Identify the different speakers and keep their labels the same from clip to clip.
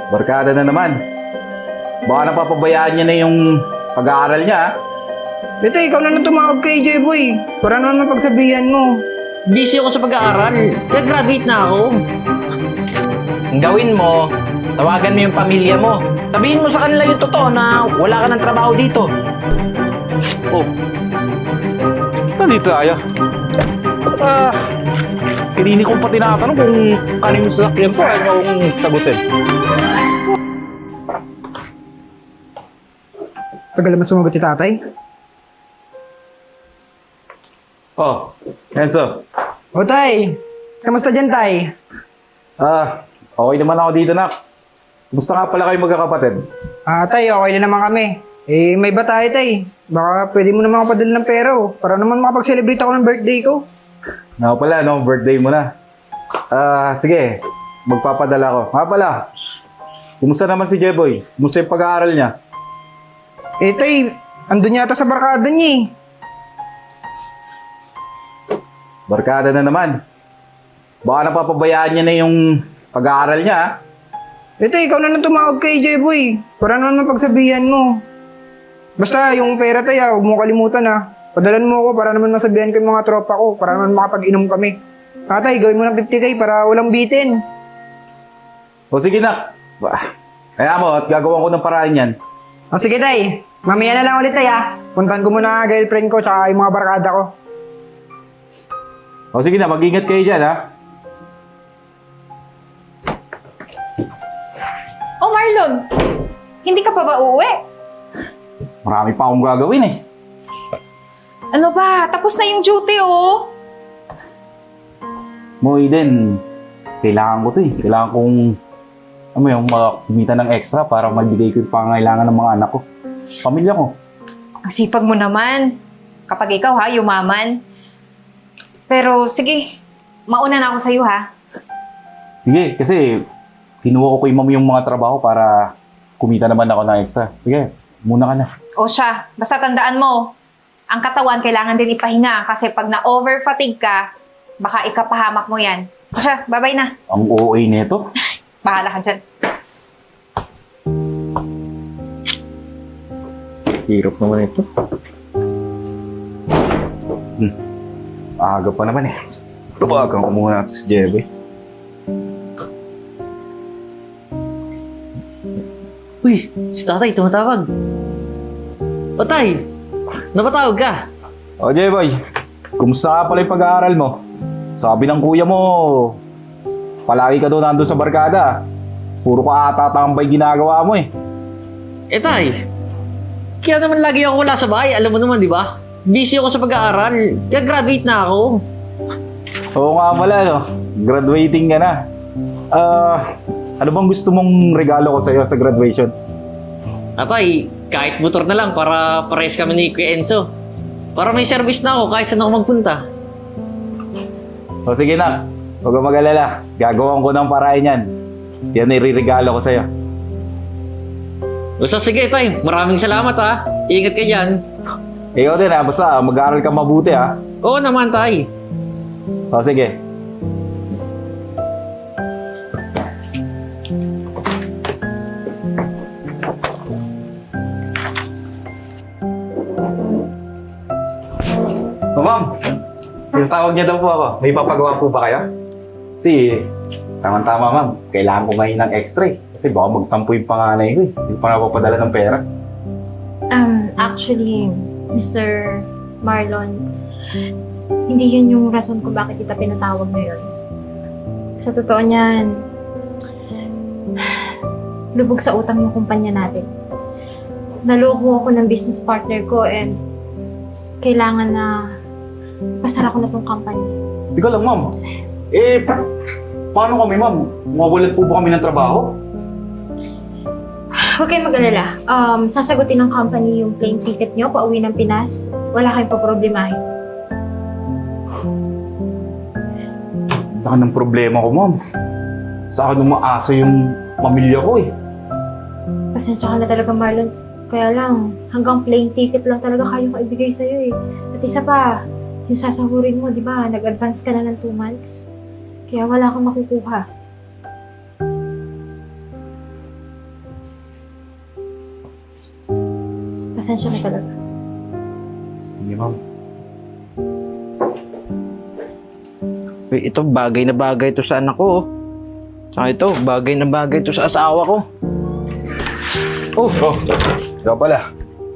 Speaker 1: Barkada na naman. Baka napapabayaan niya na yung pag-aaral niya, ha?
Speaker 2: Ito, ikaw na tumawag kay J-Boy. Para naman mapagsabihan mo.
Speaker 3: Busy ako sa pag-aaral. Kaya graduate na ako.
Speaker 4: Ang gawin mo, tawagan mo yung pamilya mo. Sabihin mo sa kanila yung totoo na wala ka ng trabaho dito.
Speaker 1: Oh. Nandito tayo. Pinili kong pa tinatanong kung ano yung sasakyan ko. Ayaw kong sagutin.
Speaker 2: Tagal naman sumagot si tatay.
Speaker 1: Oh, Enzo.
Speaker 2: O tay, kamusta dyan tay?
Speaker 1: Okay naman ako dito, nak. Kumusta nga pala kayo magkakapatid?
Speaker 2: Tay, okay na naman kami. May ba tayo tay? Baka pwede mo naman ako padala ng pera para naman makapag-celebrate ako ng birthday ko.
Speaker 1: Nga pala, no? Birthday mo na. Sige. Magpapadala ko. Nga pala. Kumusta naman si Jeboy? Kumusta yung pag-aaral niya?
Speaker 2: Tay, andun yata sa barkada niya eh.
Speaker 1: Barkada na naman. Baka napapabayaan niya na yung pag-aaral niya, ha?
Speaker 2: Ito, ikaw na tumawag kay J-Boy. Para naman mapagsabihan mo. Basta, yung pera tayo, huwag mo kalimutan ha. Padalan mo ako para naman masabihan ko yung mga tropa ko. Para naman makapag-inom kami. Tatay, gawin mo ng 50K para walang bitin.
Speaker 1: O sige, nak. Kaya mo, at gagawin ko ng paraan yan.
Speaker 2: O sige tay, mamaya na lang ulit tay ha. Puntahan ko muna ang girlfriend ko tsaka yung mga barkada ko.
Speaker 1: O sige na, mag-ingat kayo dyan, ha?
Speaker 5: Oh, Marlon! Hindi ka pa ba uuwi?
Speaker 1: Marami pa akong gagawin, eh.
Speaker 5: Ano ba? Tapos na yung duty, oh!
Speaker 1: Mo, Eden, kailangan ko to, eh. Kailangan kong, yung kumita ng extra para magbigay ko yung pangangailangan ng mga anak ko. Pamilya ko.
Speaker 5: Ang sipag mo naman. Kapag ikaw ha, yumaman. Pero sige, mauna na ako sa'yo ha.
Speaker 1: Sige, kasi kinuha ko kay ma'am yung mga trabaho para kumita naman ako ng extra. Sige, muna ka na.
Speaker 5: O siya, basta tandaan mo, ang katawan kailangan din ipahinga kasi pag na-overfatigue ka, baka ikapahamak mo yan. O siya, bye-bye na.
Speaker 1: Ang OA nito.
Speaker 5: Bahala ka dyan.
Speaker 1: Hirap naman ito. Aga pa naman eh. Tawagan ko muna ito si Jeboy.
Speaker 3: Uy, si tatay tumatawag. O tay, napatawag ka?
Speaker 1: O Jeboy, kumusta nga pala yung pag-aaral mo? Sabi ng kuya mo, palagi ka doon nandun sa barkada. Puro ka ata tambay ginagawa mo eh.
Speaker 3: Eh tay, kaya naman lagi ako wala sa bahay. Alam mo naman, di ba? Busy ako sa pag-aaral. Kaya graduate na ako.
Speaker 1: Oo nga pala, no? Graduating ka na. Ano bang gusto mong regalo ko sa'yo sa graduation?
Speaker 3: Atay, kahit motor na lang para pares kami ni Kuya Enzo. Para may service na ako kahit saan ako magpunta.
Speaker 1: O sige na, huwag kang mag-alala. Gagawin ko ng paraan yan. Yan ay ririgalo ko sa'yo.
Speaker 3: Basta sige tay, maraming salamat ha. Ingat ka dyan.
Speaker 1: Ikaw din ha, basta mag-aaral ka mabuti ha.
Speaker 3: Oo naman tay.
Speaker 1: O sige. O ma'am, tinatawag niya daw po ako. May papagawa po ba kayo? Kasi, tama-tama ma'am, kailangan ko ngayon ng extra eh. Kasi baka magtampo yung panganay ko eh. Hindi pa napapadala ng pera.
Speaker 6: Actually, Mr. Marlon, hindi yun yung rason kung bakit kita pinatawag ngayon. Sa totoo niyan, lubog sa utang yung kumpanya natin. Naloko ako ng business partner ko and kailangan na pasara ko na tong company.
Speaker 1: Hindi ko lang ma'am. Paano kami ma'am? Mawawalan po ba kami ng trabaho?
Speaker 6: Huwag kayong mag-alala. Sasagutin ng company yung plane ticket nyo pauwi ng Pinas. Wala kayong paproblemahin.
Speaker 1: Baka ng problema ko ma'am. Sa akin umaasa yung pamilya ko eh.
Speaker 6: Pasensya ka na talaga, Marlon. Kaya lang, hanggang plane ticket lang talaga kayong kaibigay sa'yo eh. At isa pa, yung sasahurin mo, di ba? Nag-advance ka na ng 2 months. Kaya wala kang makukuha. Pasensya na talaga.
Speaker 1: Sige, ma'am.
Speaker 4: Uy, ito bagay na bagay to sa anak ko. Oh. Saka ito, bagay na bagay to sa asawa ko.
Speaker 1: Oh, ikaw pala.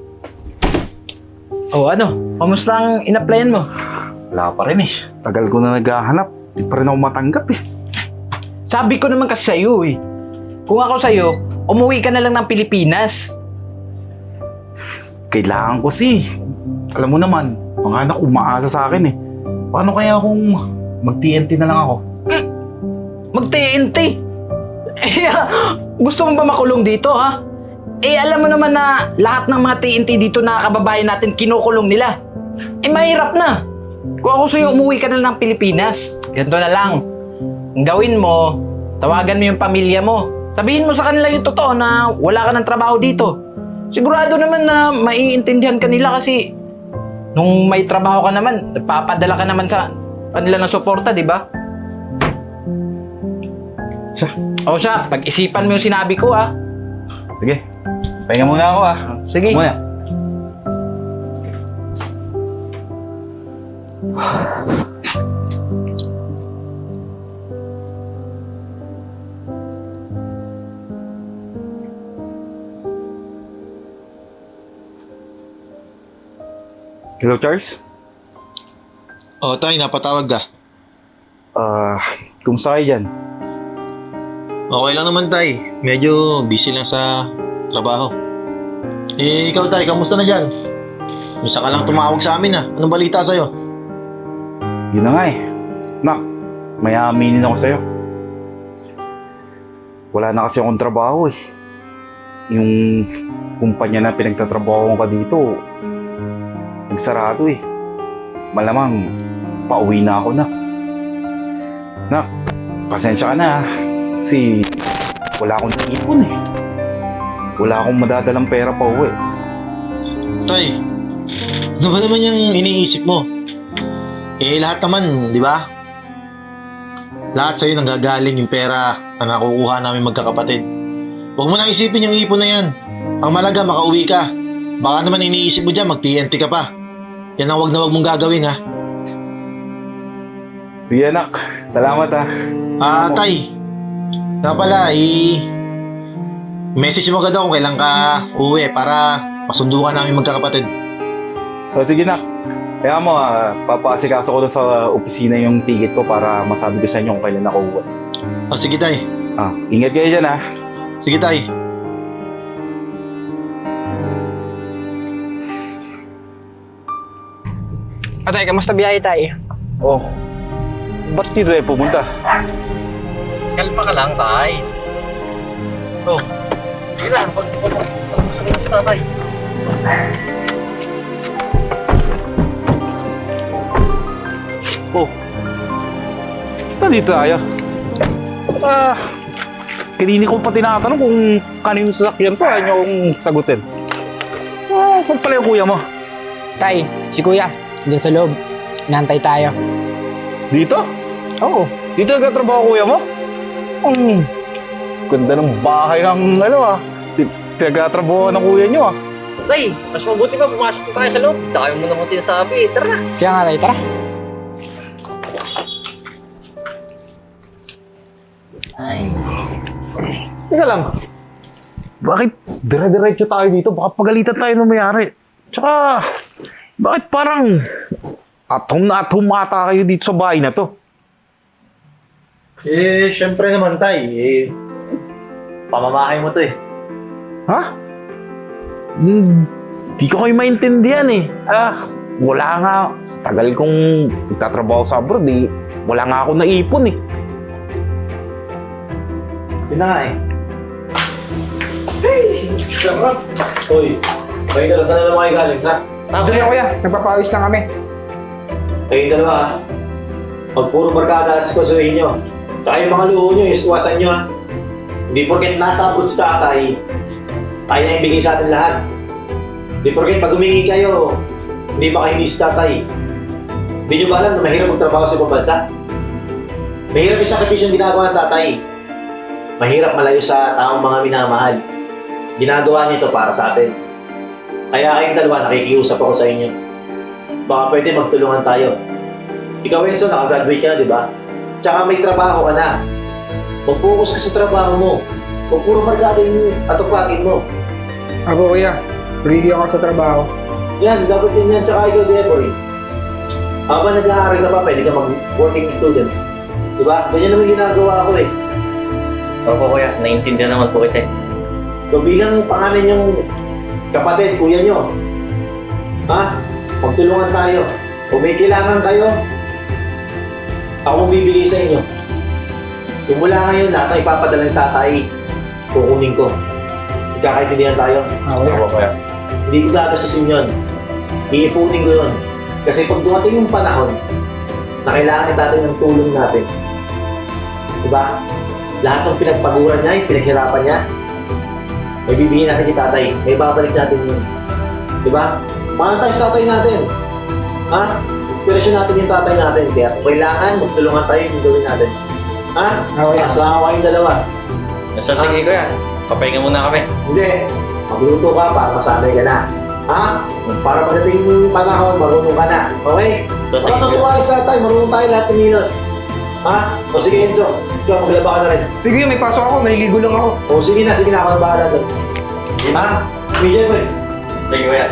Speaker 4: Oh, ano? Kamusta ang in-applyan mo?
Speaker 1: Wala pa rin eh. Tagal ko na naghahanap. Di pa rin ako matanggap eh.
Speaker 4: Sabi ko naman kasi sa'yo eh. Kung ako sa'yo, umuwi ka na lang ng Pilipinas.
Speaker 1: Kailangan ko si. Alam mo naman, mga anak umaasa sa akin eh. Paano kaya kung mag-TNT na lang ako?
Speaker 4: Mag-TNT. Eh, gusto mo ba makulong dito, ha? Eh, alam mo naman na lahat ng mga TNT dito na kababayan natin kinukulong nila. Eh, mahirap na. Kung ako sa'yo, umuwi ka na ng Pilipinas. Ganito na lang. Ang gawin mo, tawagan mo yung pamilya mo. Sabihin mo sa kanila yung totoo na wala ka ng trabaho dito. Sigurado naman na maiintindihan ka nila kasi nung may trabaho ka naman, nagpapadala ka naman sa kanila ng suporta, di ba? Siya, pag-isipan mo yung sinabi ko, ha?
Speaker 1: Sige, pahinga muna ako ah.
Speaker 4: Sige.
Speaker 1: Muna. Hello, Charles?
Speaker 7: Oh, tay, napatawag ka.
Speaker 1: Kumusta kayo dyan?
Speaker 7: Okay lang naman, tay. Medyo busy lang sa trabaho. Eh, ikaw, tay, kamusta na dyan? Misa ka lang tumawag sa amin, ah. Anong balita sa'yo?
Speaker 1: Yun na nga eh. Nak, may aaminin ako sa'yo. Wala na kasi akong trabaho eh. Yung kumpanya na pinagtatrabaho ko dito, nagsarado eh. Malamang, pauwi na ako na. Nak, pasensya ka na ah. Kasi wala akong naipon eh. Wala akong madadalang pera pa uwi.
Speaker 7: Tay, ano ba naman yung iniisip mo? Eh, lahat naman, di ba? Lahat sa'yo nanggagaling yung pera na nakukuha namin magkakapatid. Huwag mo nang isipin yung ipon na yan. Ang malaga, makauwi ka. Baka naman iniisip mo dyan, mag-TNT ka pa. Yan ang wag na wag mong gagawin, ha?
Speaker 1: Sige anak, salamat ah.
Speaker 7: Tay. Nga pala, message mo agad ako kung kailan ka uwi para masundo ka namin magkakapatid.
Speaker 1: So, sige nak. Kaya mo, papasikaso ko doon sa opisina yung ticket ko para masabi ko sa inyo kung kailan ako uwi.
Speaker 7: Sige, tay.
Speaker 1: Ingat kayo dyan ah.
Speaker 7: Sige, tay.
Speaker 2: Tay, kamusta biyahe tayo?
Speaker 1: Oh, ba't dito tayo pumunta?
Speaker 3: Kalpa ka lang, tay. Oh, sige na. Pag-usapin sa tatay.
Speaker 1: Oh, nandito tayo. Kanini ko pa tinatanong kung kanino sasakyan to, ayaw niyo akong sagutin. Saan pala yung kuya mo?
Speaker 2: Tay, si kuya, dyan sa loob. Nantay tayo.
Speaker 1: Dito?
Speaker 2: Oo.
Speaker 1: Dito nagtatrabaho kuya mo? Ang ganda ng bahay ng pinagtatrabaho ng kuya niyo ah.
Speaker 3: Tay, mas mabuti pa pumasok na tayo sa loob. Dami mo naman sinasabi. Tara na.
Speaker 2: Kaya nga tay, tara.
Speaker 3: Ay.
Speaker 1: Teka lang. Bakit dire-diretso tayo dito? Baka pagalitan tayo ng mayari. Tsaka, bakit parang at home ata kayo dito sa bahay na to?
Speaker 7: Eh, syempre naman, tay. Pamamahay mo to eh.
Speaker 1: Ha? Di ko kayo maintindihan eh. Wala nga. Tagal kong nagtatrabaho sa abroad eh. Wala nga ako naipon eh.
Speaker 7: Yun na nga eh. Sarap! Hoy, kayo dalawa, saan na naman kayo galing, ha?
Speaker 2: Doon na kuya, nagpapawis lang kami.
Speaker 7: Kayo dalawa, ha? Pag puro barkada sa kusuhin nyo. Tsaka yung mga luho nyo, iwasan nyo, ha? Hindi porket nasa abroad si tatay, tayo na yung bigay sa atin lahat. Hindi porket pag humingi kayo, hindi pa kayo hindi si tatay. Hindi nyo ba alam na mahirap magtrabaho sa ibang bansa? Mahirap yung sakripisyo yung ginagawa ng tatay. Mahirap malayo sa taong mga minamahal. Ginagawa niyo ito para sa atin. Kaya kayong dalawa, nakikiusap ako sa inyo. Baka pwede magtulungan tayo. Ikaw, Enzo, nakagraduate ka na, di ba? Tsaka may trabaho ka na. Mag-focus ka sa trabaho mo. Huwag puro barkada yung atupagin mo.
Speaker 2: Ako kuya, ready ako sa trabaho.
Speaker 7: Yan, dapat din yan. Tsaka ikaw, Deboy. Habang nag-aaral ka pa, pwede ka mag-working student. Diba? Ganyan naman ginagawa ko eh.
Speaker 3: Opo kuya, naiintindihan naman po kita.
Speaker 7: So bilang pangalan yung kapatid, kuya nyo, ha? Magtulungan tayo. Kung may kailangan kayo, ako bibigay sa inyo. Simula ngayon, lahat na ipapadala ng tatay, kukunin ko. Magkakaintindihan tayo.
Speaker 1: Opo, kuya.
Speaker 7: Hindi ko gagastusin yun. Iipunin ko yun. Kasi pag dumating yung panahon na kailangan ni tatay ng tulong natin, diba? Lahat ng pinagpaguran niya, yung pinaghirapan niya, may bibigyan natin kay tatay. May babalik natin yun. Diba? Mahal tayo sa tatay natin. Ha? Inspirasyon natin yung tatay natin. Kaya kung kailangan, magtulungan tayo yung gawin natin. Ha?
Speaker 2: Okay.
Speaker 7: Asawa kayong dalawa.
Speaker 3: So sige kuya, papahinga muna kami.
Speaker 7: Hindi. Magluto ka para masanay ka na. Ha? Para pagdating yung panahon, marunong ka na. Okay?
Speaker 3: So sige
Speaker 7: Baka
Speaker 3: kuya.
Speaker 7: natuwa kayo sa tatay, marunong tayo lahat tumilos. Ha? O sige Enzo, ikaw maglaba ka na rin.
Speaker 2: Sige, may pasok ako, maliligo lang ako.
Speaker 7: O sige na, ako na bahala doon. Ha? Sige boy.
Speaker 3: Sige kuya.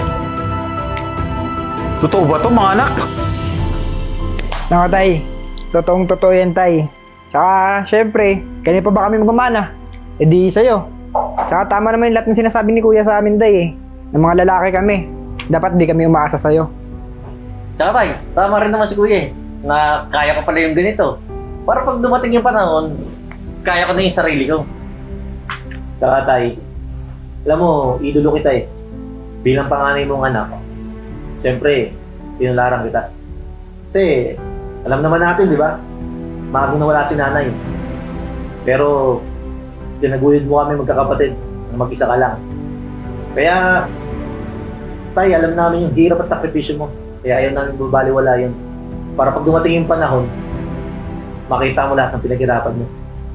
Speaker 1: Totoo ba to mga anak?
Speaker 2: Naka tay, totoong totoo yan tay. Tsaka, syempre, kanina pa ba kami magmamana? E di sa'yo. Tsaka tama naman yung lahat ng sinasabi ni kuya sa amin tay eh. Ng mga lalaki kami. Dapat di kami umaasa sa'yo.
Speaker 3: Tsaka tay, tama rin naman si kuya eh, na kaya ko pala yung ganito. Para pag dumating yung panahon, kaya ko na yung sarili ko.
Speaker 7: Tsaka tay, alam mo, idolo kita eh. Bilang panganay mong anak, siyempre, pinularang kita. Kasi, alam naman natin, di ba? Magang nawala si nanay. Pero, tinaguyod mo kami magkakapatid, na mag-isa ka lang. Kaya, tay, alam namin yung hirap at sakripisyo mo. Kaya ayaw namin babaliwala yun. Para pag dumating yung panahon, makita mo lahat ng pinaghirapan mo.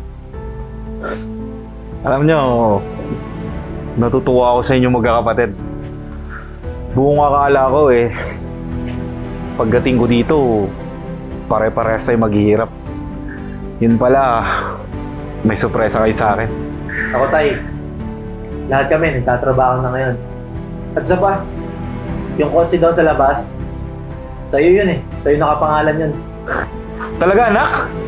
Speaker 1: Alam nyo, natutuwa ako sa inyo magkakapatid. Buong akala ko eh, pagdating ko dito, pare-parehas tayo maghihirap. Yun pala, may sorpresa kayo sa akin.
Speaker 7: Ako tay, lahat kami nagtatrabaho na ngayon. At isa pa, yung kotse doon sa labas, tayo yun eh. Tayo nakapangalan yun.
Speaker 1: Talaga anak?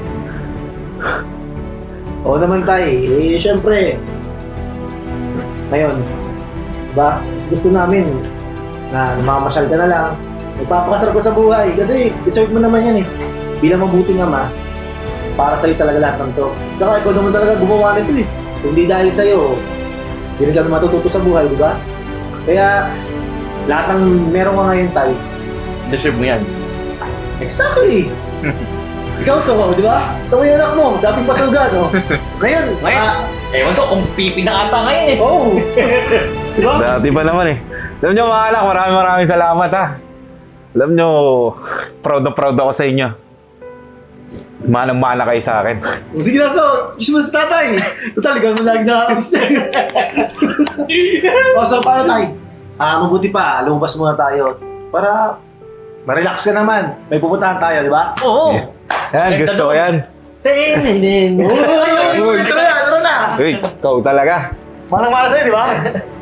Speaker 7: Oo naman tay, eh syempre. Ngayon, diba, mas gusto namin na namamasyal ka na lang. Magpapakasarap ka sa buhay kasi deserve mo naman yan eh. Bilang mabuting ama, para sa'yo talaga lahat ng to. Saka ikaw naman talaga gumawa nito eh. Kung di dahil sa'yo, hindi rin kami matututo sa buhay, di ba? Kaya, lahat ng meron ka ngayon tay,
Speaker 3: Deserve mo yan.
Speaker 7: exactly! Ikaw sa di ba? Ito yung anak mo, dating patuga, no? Ngayon,
Speaker 3: Ngayon, ewan ko kung pipi na ata ngayon eh.
Speaker 7: oh! Di ba?
Speaker 1: Dati pa naman eh. Alam nyo mga anak, maraming salamat ha. Alam nyo, proud na proud ako sa inyo. Manang-mana kayo sa akin.
Speaker 7: O, sige na, so, kiss mo sa tatay. Total, ikaw mo lagi nakakakiss niya. O, so, paano tayo? Mabuti pa, lumabas muna tayo. Para ma-relax ka naman. May pupuntahan tayo, di ba?
Speaker 3: Oo.
Speaker 1: Yan, gusto ko yan.
Speaker 3: Tinin.
Speaker 7: Uy, ito na, ito na.
Speaker 1: Uy, ikaw talaga.
Speaker 7: Manang-mana sa'yo, di ba?